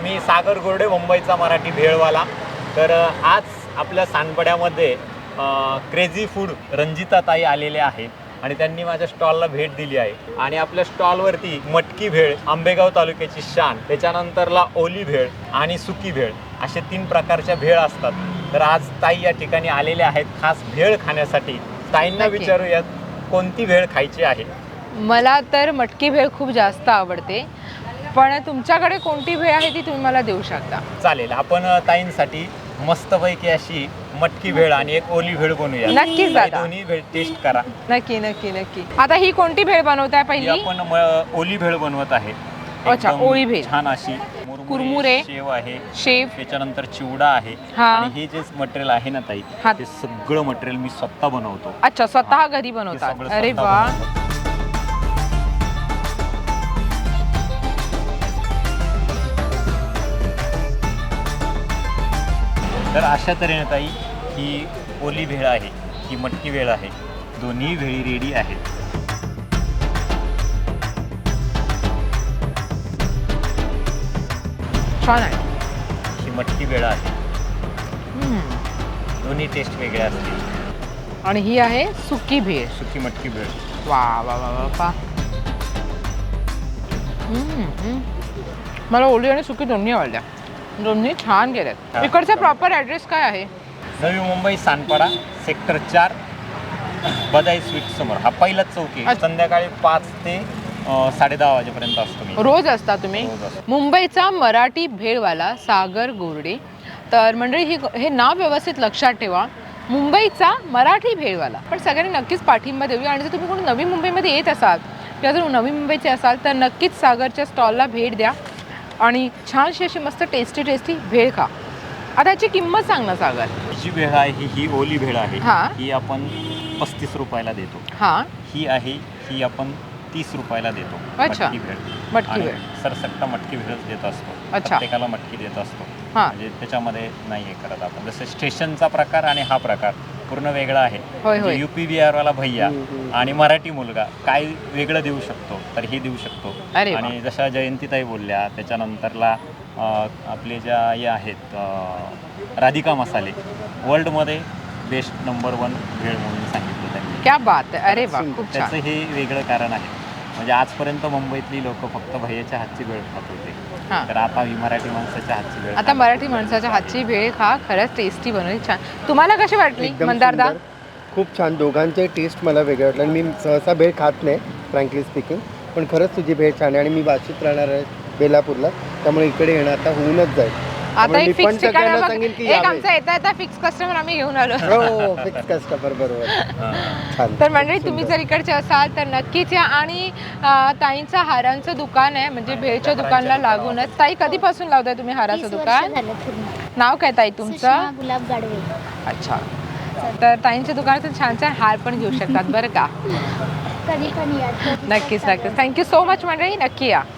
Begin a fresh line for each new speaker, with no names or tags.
मी सागर गोरडे, मुंबईचा मराठी भेळवाला. तर आज आपल्या सानपड्यामध्ये क्रेझी फूड रंजिता ताई आलेले आहेत आणि त्यांनी माझ्या स्टॉलला भेट दिली आहे. आणि आपल्या स्टॉलवरती मटकी भेळ, आंबेगाव तालुक्याची शान, त्याच्यानंतरला ओली भेळ आणि सुकी भेळ असे 3 प्रकारच्या भेळ असतात. तर आज ताई या ठिकाणी आलेले आहेत खास भेळ खाण्यासाठी. ताईंना विचारूयात कोणती भेळ खायची आहे.
मला तर मटकी भेळ खूप जास्त आवडते, पण तुमच्याकडे कोणती भेळ आहे ती तुम्ही मला देऊ शकता.
चालेल, आपण ताईंसाठी मस्तपैकी अशी मटकी भेळ आणि एक ओली भेळ बनवूया.
नक्कीच दादा,
दोन्ही भेळ टेस्ट करा.
नक्की नक्की नक्की. आता ही कोणती भेळ बनवताय पहिली?
आपण ओली भेळ बनवत आहे.
अच्छा, ओली भेळ.
छान अशी
कुरमुरे,
शेव आहे,
शेव,
त्याच्यानंतर चिवडा आहे. आणि हे जे मटेरियल आहे ना ताई, ते सगळं मटेरियल मी स्वतः बनवतो.
अच्छा, स्वतः घरी बनवतात. अरे वा.
तर अशा तऱ्हेने ताई ही ओली भेळ आहे, ही मटकी भेळ आहे. दोन्ही भेळी रेडी आहेत.
छान आहे.
ही मटकी भेळ आहे. दोन्ही टेस्ट वेगळ्या असतील.
आणि ही आहे सुकी भेळ,
सुकी मटकी भेळ.
वा वा वा वा. मला ओली आणि सुकी दोन्ही आवडल्या, दोन्ही छान गेल्यात. इकडचा प्रॉपर ॲड्रेस काय आहे?
नवी मुंबई, सानपाडा, सेक्टर 4, बदाई स्वीट समोर. हा पहिलाच चौकी. संध्याकाळी 5 ते 10:30 वाजेपर्यंत असतो मी.
रोज असता तुम्ही? मुंबईचा मराठी भेळवाला सागर गोरडे. तर मंडळी, हे नाव व्यवस्थित लक्षात ठेवा, मुंबईचा मराठी भेळवाला. पण सगळ्यांनी नक्कीच पाठिंबा देऊया. आणि जर तुम्ही कोणी नवी मुंबईमध्ये येत असाल किंवा जर नवी मुंबईचे असाल तर नक्कीच सागरच्या स्टॉलला भेट द्या आणि छानशी अशी मस्त टेस्टी भेळ खा. आता याची किंमत सांग ना सागर.
जी भेळ आहे ही ओली भेळ आहे. ही आपण 35 रुपयाला देतो. ही आहे, ही आपण 30 रुपयाला देतो.
अच्छा, मटकी भेळ.
सरसट्टा मटकी भेळच देत असतो.
अच्छा,
प्रत्येकाला मटकी देत असतो. म्हणजे त्याच्यामध्ये नाही हे करत आपण. जसं स्टेशनचा प्रकार आणि हा प्रकार पूर्ण वेगळा आहे. UP बिहारवाला भैया आणि मराठी मुलगा काय वेगळं देऊ शकतो तर हे देऊ शकतो. आणि जशा जयंतीताई बोलल्या, त्याच्यानंतरला आपले ज्या हे आहेत राधिका मसाले, वर्ल्डमध्ये बेस्ट नंबर 1 भेळ म्हणून सांगितलं त्यांनी.
क्या बात आहे. अरे वा, खूप छान.
त्याचं हे वेगळं कारण आहे. म्हणजे आजपर्यंत मुंबईतली लोक फक्त भैयाच्या हातची भेळ खात होते. तर आता ही मराठी माणसाच्या हातची भेळ.
आता मराठी माणसाच्या हातची भेळ खा. खरंच टेस्टी बनवली, छान. तुम्हाला कशी वाटली मंदारदा?
खूप छान. दोघांचे टेस्ट मला वेगळे वाटले. आणि मी सहसा भेळ खात नाही फ्रँकली स्पीकिंग, पण खरंच तुझी भेळ छान आहे. आणि मी वाशीत राहणार आहे बेलापूरला, त्यामुळे इकडे येणं आता होऊनच जाईल.
आता एक फिक्स ठिकाण सांगेल की एक आमचा येता फिक्स कस्टमर आम्ही घेऊन आलो.
हो, फिक्स कस्टमर, बरोबर.
तर मंडळी, तुम्ही जर इकडचे असाल तर नक्कीच या. आणि ताईंचं हारांचं दुकान आहे, म्हणजे भेळच्या दुकानला लागूनच. ताई, कधीपासून लावताय तुम्ही हाराचं दुकान? नाव काय ताई तुमचं?
गुलाब गाडवे.
अच्छा, तर ताईंच्या दुकानातून छान छान हार पण घेऊ शकतात बरं का.
कधी पण या.
नक्कीच. थँक्यू सो मच मंडळी, नक्की या.